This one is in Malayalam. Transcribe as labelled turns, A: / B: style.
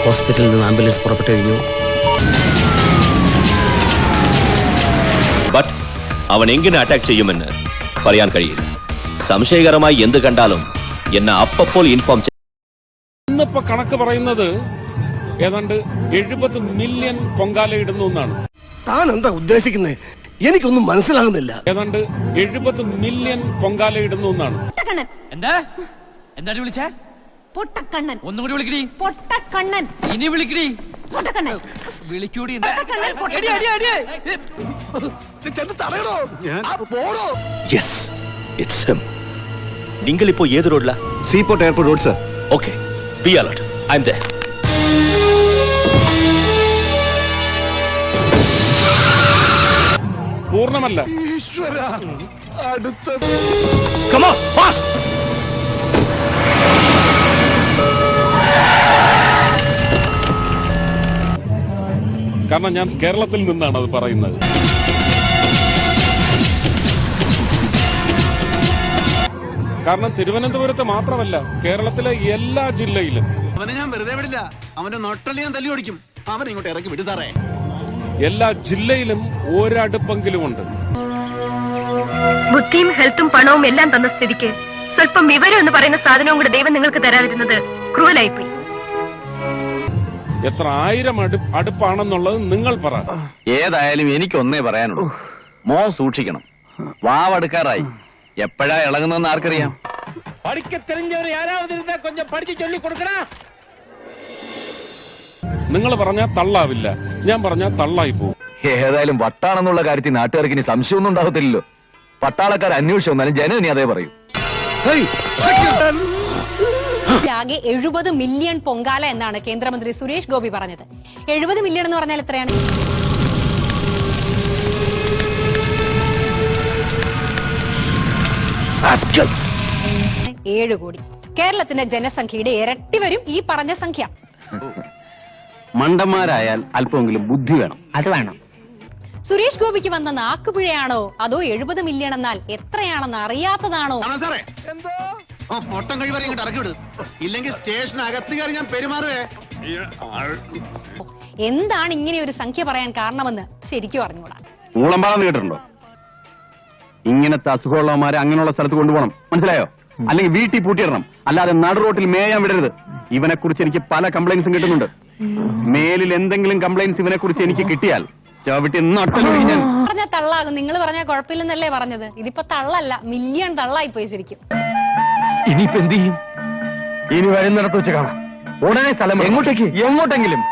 A: ഹോസ്പിറ്റലിൽ നിന്ന് ആംബുലൻസ് പുറപ്പെട്ടു കഴിഞ്ഞു.
B: ബട്ട് അവൻ എങ്ങനെ അറ്റാക്ക് ചെയ്യുമെന്ന് പറയാൻ കഴിയില്ല. സംശയകരമായി എന്ത് കണ്ടാലും എന്നെ അപ്പോൾ ഇൻഫോം ചെയ്യും.
C: ഇന്നിപ്പോ കണക്ക് പറയുന്നത് ഏതാണ്ട് 70 മില്യൺ പൊങ്കാല ഇടുന്നു എന്നാണ്.
D: താൻ എന്താ ഉദ്ദേശിക്കുന്നത്? എനിക്കൊന്നും മനസ്സിലാകുന്നില്ല.
C: ഏതാണ്ട് 70 മില്യൺ പൊങ്കാല ഇടുന്നു എന്നാണ്.
E: എന്താ എന്താ വിളിച്ചേ?
F: പൊട്ടക്കണ്ണൻ.
E: ഒന്നും കൂടി വിളിക്കടി.
F: പൊട്ടക്കണ്ണൻ.
E: ഇനി വിളിക്കടി.
F: പൊട്ടക്കണ്ണൻ.
E: വിളിക്കൂടി.
B: Yes, it's him. നിങ്ങൾ ഇപ്പോൾ ഏത് റോഡിലാ?
D: Seaport airport road sir.
B: Okay, be alert. I am there.
C: പൂർണ്ണമല്ല.
B: Come on, fast!
C: കാരണം ഞാൻ കേരളത്തിൽ നിന്നാണ് അത് പറയുന്നത്. കാരണം തിരുവനന്തപുരത്ത് മാത്രമല്ല, കേരളത്തിലെ എല്ലാ ജില്ലയിലും.
G: അവനെ ഞാൻ വെറുതെ വിടില്ല. അവന്റെ നൊട്ടല് ഞാൻ തല്ലി ഓടിക്കും. അവനെ ഇങ്ങോട്ട് ഇറക്കി വിട്ടു സാറേ.
C: എല്ലാ ജില്ലയിലും ഒരടുപ്പെങ്കിലും ഉണ്ട്.
H: ബുദ്ധിയും ഹെൽത്തും പണവും എല്ലാം തന്ന സ്ഥിതിക്ക് സ്വല്പം വിവരം എന്ന് പറയുന്ന സാധനവും കൂടെ ദൈവം നിങ്ങൾക്ക് തരാതിരുന്നത് ക്രൂവലായിപ്പോയി.
C: എത്ര ആയിരം അടുപ്പാണെന്നുള്ളത് നിങ്ങൾ പറ.
I: ഏതായാലും എനിക്കൊന്നേ പറയാനുള്ളൂ, സൂക്ഷിക്കണം. വാവടുക്കാറായി. എപ്പോഴാ ഇളകുന്നെന്ന് ആർക്കറിയാം?
C: നിങ്ങൾ പറഞ്ഞാൽ തള്ളാവില്ല, ഞാൻ പറഞ്ഞാൽ തള്ളായി പോകും.
I: ഏതായാലും വട്ടാണെന്നുള്ള കാര്യത്തിൽ നാട്ടുകാർക്ക് ഇനി സംശയമൊന്നും ഉണ്ടാകത്തില്ലല്ലോ. പട്ടാളക്കാർ അന്വേഷിച്ചു വന്നാലും ജനം ഇനി അതേ പറയൂ.
J: ആകെ 70 മില്യൺ പൊങ്കാല എന്നാണ് കേന്ദ്രമന്ത്രി സുരേഷ് ഗോപി പറഞ്ഞത്. 70 മില്യൺ എന്ന് പറഞ്ഞാൽ എത്രയാണ്? ഏഴ് കോടി. കേരളത്തിന്റെ ജനസംഖ്യയുടെ ഇരട്ടി വരും ഈ പറഞ്ഞ സംഖ്യ.
I: മണ്ടന്മാരായാൽ അല്പമെങ്കിലും ബുദ്ധി വേണം.
J: അത് വേണം. സുരേഷ് ഗോപിക്ക് വന്ന നാക്കുപിഴയാണോ അതോ 70 മില്യൺ എന്നാൽ എത്രയാണെന്ന് അറിയാത്തതാണോ?
G: പൊട്ടം കഴിവരെ ഇങ്ങോട്ട് ഇറക്കി വിടും. ഇല്ലെങ്കിൽ സ്റ്റേഷനകത്ത് കയറി ഞാൻ പെരുമാറുവേ.
J: എന്താണ് ഇങ്ങനെ ഒരു സംഖ്യ പറയാൻ കാരണമെന്ന് ശരിക്കും അറിഞ്ഞൂടാ.
I: ഊളമ്പാടെന്ന് കേട്ടിട്ടുണ്ടോ? ഇങ്ങനത്തെ അസുഖമുള്ളവന്മാരെ അങ്ങനെയുള്ള സ്ഥലത്ത് കൊണ്ടുപോകണം, മനസ്സിലായോ? അല്ലെങ്കിൽ വീട്ടിൽ പൂട്ടിയിടണം, അല്ലാതെ നടു റോട്ടിൽ മേയാൻ വിടരുത്. ഇവനെ കുറിച്ച് എനിക്ക് പല കംപ്ലൈന്റ്സും കിട്ടുന്നുണ്ട്. മേലിൽ എന്തെങ്കിലും കംപ്ലൈന്റ്സ് ഇവനെ കുറിച്ച് എനിക്ക് കിട്ടിയാൽ ചവിട്ടി നട്ടലൊഴി ഞാൻ.
J: പറഞ്ഞ തള്ളാകും. നിങ്ങൾ പറഞ്ഞ കുഴപ്പമില്ലെന്നല്ലേ പറഞ്ഞത്? ഇതിപ്പോ തള്ളല്ല, മില്യൺ തള്ളായി പോയി ശരിക്കും.
I: ഇനിയിപ്പോ എന്ത് ചെയ്യും? ഇനി വരുന്നിടത്ത് വെച്ച് കാണാം. ഉടനെ സ്ഥലം എങ്ങോട്ടേക്ക്? എങ്ങോട്ടെങ്കിലും.